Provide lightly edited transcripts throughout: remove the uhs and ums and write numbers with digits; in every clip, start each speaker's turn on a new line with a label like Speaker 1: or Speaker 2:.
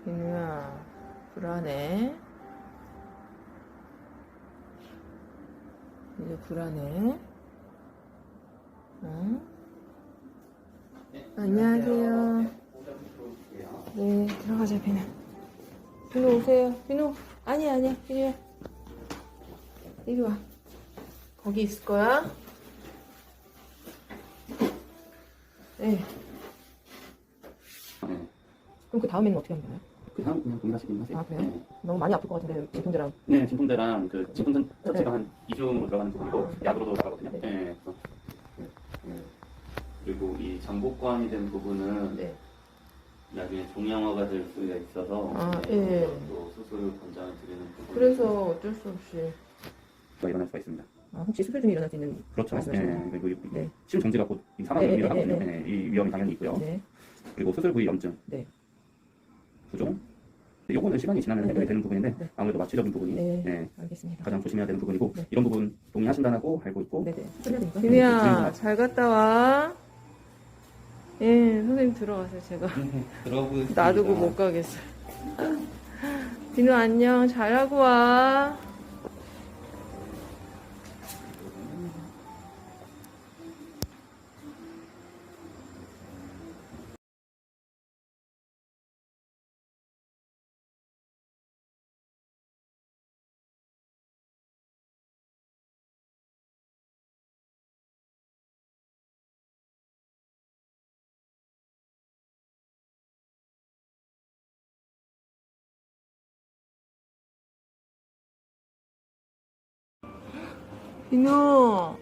Speaker 1: 비누야, 불안해. 이제 불안해. 응? 안녕하세요. 네, 들어가자, 비누. 비누 오세요. 비누. 아니야, 비누야. 이리 와. 거기 있을 거야. 네. 그럼 그 다음에는 어떻게 하는 거예요?
Speaker 2: 그 다음 그냥 동일하시긴 하세요.
Speaker 1: 아, 그래요?
Speaker 2: 네.
Speaker 1: 너무 많이 아플 것 같은데, 진통제랑.
Speaker 2: 네, 진통제랑 그 진통 자체가 한 2주 들어가는 부분이고 약으로도 나가거든요.
Speaker 1: 네.
Speaker 2: 네. 그리고 이 잠복관이 된 부분은
Speaker 1: 네.
Speaker 2: 나중에 종양화가 될 수가 있어서
Speaker 1: 아,
Speaker 2: 네,
Speaker 1: 예.
Speaker 2: 또 수술을 권장을 드리는 부분.
Speaker 1: 그래서 어쩔 수 없이.
Speaker 2: 일어날 수가 있습니다.
Speaker 1: 아, 혹시 수술 중에 일어날 수 있는.
Speaker 2: 그렇죠.
Speaker 1: 말씀하시는
Speaker 2: 네.
Speaker 1: 거예요?
Speaker 2: 그리고
Speaker 1: 네.
Speaker 2: 심 정지가 곧 사망을
Speaker 1: 네,
Speaker 2: 유발하거든요.
Speaker 1: 네,
Speaker 2: 네, 이 위험이 당연히 있고요.
Speaker 1: 네.
Speaker 2: 그리고 수술 부위 염증,
Speaker 1: 네.
Speaker 2: 부종. 요거는 시간이 지나면 해결이 되는 부분인데
Speaker 1: 네.
Speaker 2: 아무래도 마취적인 부분이
Speaker 1: 네. 알겠습니다.
Speaker 2: 가장 조심해야 되는 부분이고
Speaker 1: 네.
Speaker 2: 이런 부분 동의하신다고 알고 있고
Speaker 1: 네네. 비누야, 잘 갔다 와. 예, 선생님 들어가세요, 제가.
Speaker 2: 들어보겠습니다.
Speaker 1: 놔두고 못 가겠어요. 비누 안녕, 잘하고 와. 비누.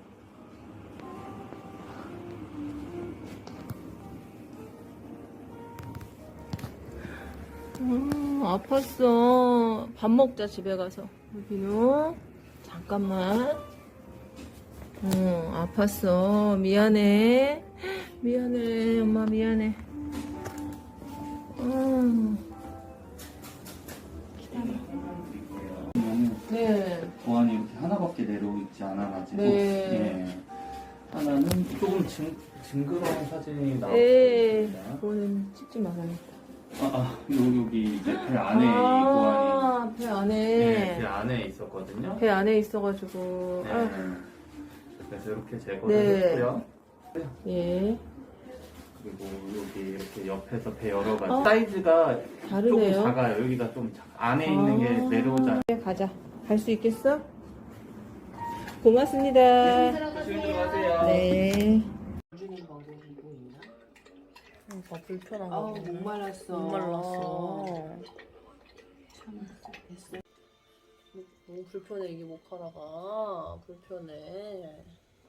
Speaker 1: 아팠어. 밥 먹자, 집에 가서. 비누. 잠깐만. 아팠어. 미안해. 미안해. 엄마 미안해. 네.
Speaker 2: 보안이 이렇게 하나밖에 내려오지 않아가지고
Speaker 1: 네.
Speaker 2: 예. 하나는 조금 징그러운 사진이 나올 수
Speaker 1: 에
Speaker 2: 있습니다.
Speaker 1: 그거는 찍지 말아야겠다.
Speaker 2: 여기 이제 배 안에 이 보안이
Speaker 1: 배 안에.
Speaker 2: 네, 배 안에 있었거든요.
Speaker 1: 배 안에 있어가지고.
Speaker 2: 네.
Speaker 1: 아,
Speaker 2: 그래서 이렇게 제거를
Speaker 1: 네.
Speaker 2: 했고요.
Speaker 1: 예.
Speaker 2: 그리고 여기 이렇게 옆에서 배 여러 가지 사이즈가
Speaker 1: 다르네요.
Speaker 2: 조금 작아요. 여기가 좀 안에 있는 게 내려오지 않아요.
Speaker 1: 가자. 갈 수 있겠어? 고맙습니다.
Speaker 2: 조심히 들어가세요.
Speaker 1: 네.
Speaker 3: 주는 방법이 뭐 있나?
Speaker 1: 불편한
Speaker 3: 아우 목말랐어.
Speaker 1: 목말랐어.
Speaker 3: 참 됐어.
Speaker 1: 너무 불편해, 이게 목하다가. 불편해.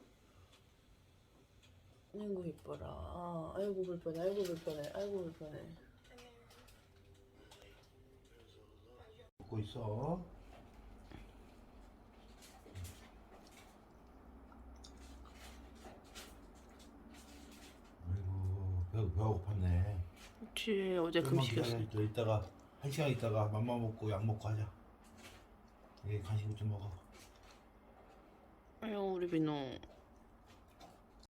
Speaker 1: 아이고, 이뻐라. 아이고, 불편해. 아이고, 불편해. 아이고, 불편해.
Speaker 4: 먹고 있어. 아이고 배가 고팠네.
Speaker 1: 그치, 어제
Speaker 4: 조금만
Speaker 1: 금식이었어.
Speaker 4: 기다려. 이따가 1시간 있다가 맘마 먹고 약 먹고 하자. 간식 좀 먹어.
Speaker 1: 아유, 우리 비누.